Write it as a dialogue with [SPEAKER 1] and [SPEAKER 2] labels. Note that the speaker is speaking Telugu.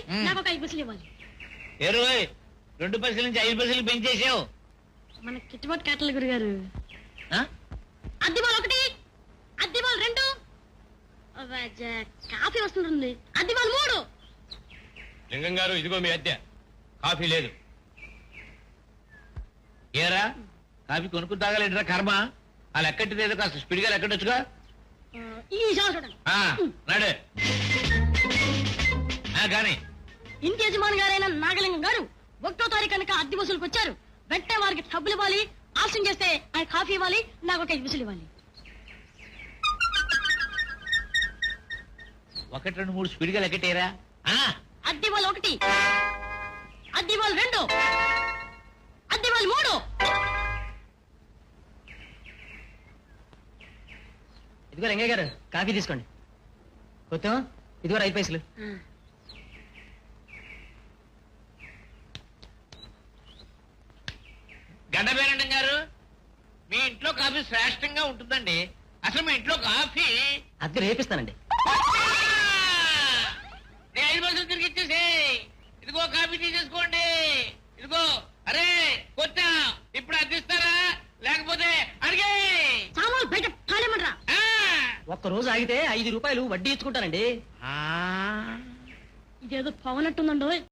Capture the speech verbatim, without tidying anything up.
[SPEAKER 1] నాకు ఒక ఐదు పైసలు ఇవ్వాలి.
[SPEAKER 2] ఇరవై రెండు పైసల నుంచి ఐదు పైసలు పెంచేసావు.
[SPEAKER 1] మన కిట్టుబాటు కేటల గురుగారు. అద్దిబాల్ ఒకటి, అద్దిబాల్ రెండు, కాఫీ వస్తుంటుంది, అద్దిబాల్ మూడు.
[SPEAKER 3] లింగం గారు ఇదిగో మీ అద్దె. కాఫీ లేదు.
[SPEAKER 2] ఏరా కాఫీ కొనుక్కు తాగలేదురా కర్మ. ఆ లెక్కటిదేదో కాస్త స్పీడ్గా లెక్కడొచ్చుగా.
[SPEAKER 1] ఈ చూడండి
[SPEAKER 2] నాడే కానీ
[SPEAKER 1] ఇంటి యజమాని గారైన నాగలింగం గారు ఒకటో తారీఖు కనుక అద్దె వసూలుకు వచ్చారు. వెంటనే వారికి డబ్బులు ఇవ్వాలి. ఆలస్యం చేస్తే ఆయన కాఫీ ఇవ్వాలి, నాకు ఒక ఐదు పైసలు ఇవ్వాలి.
[SPEAKER 2] ఒకటి రెండు మూడు స్పీడ్గా లెక్కటేరా.
[SPEAKER 1] అద్దెవాళ్ళు ఒకటి, అద్దెవాళ్ళు రెండు, అద్దెవాళ్ళు మూడు.
[SPEAKER 4] ఇదిగో రంగయ్య గారు కాఫీ తీసుకోండి. కొత్త ఇదిగో ఐదు పైసలు.
[SPEAKER 2] గండబేరండం గారు, మీ ఇంట్లో కాఫీ శ్రేష్టంగా ఉంటుందండి. అసలు మీ ఇంట్లో కాఫీ
[SPEAKER 4] అద్దె రేపిస్తానండి.
[SPEAKER 2] నేను ఐదు పైసలు తిరిగి ఇచ్చేసి ఇదిగో కాఫీ తీసేసుకోండి. ఇదిగో అరే కొత్త ఇప్పుడు అద్దిస్తారా లేకపోతే అడిగే
[SPEAKER 1] సామాన్లు బయట తాళేమనరా.
[SPEAKER 4] ఒక్క రోజు ఆగితే ఐదు రూపాయలు వడ్డీ ఇచ్చుకుంటానండి.
[SPEAKER 1] ఇదేదో పవనట్టుందండో.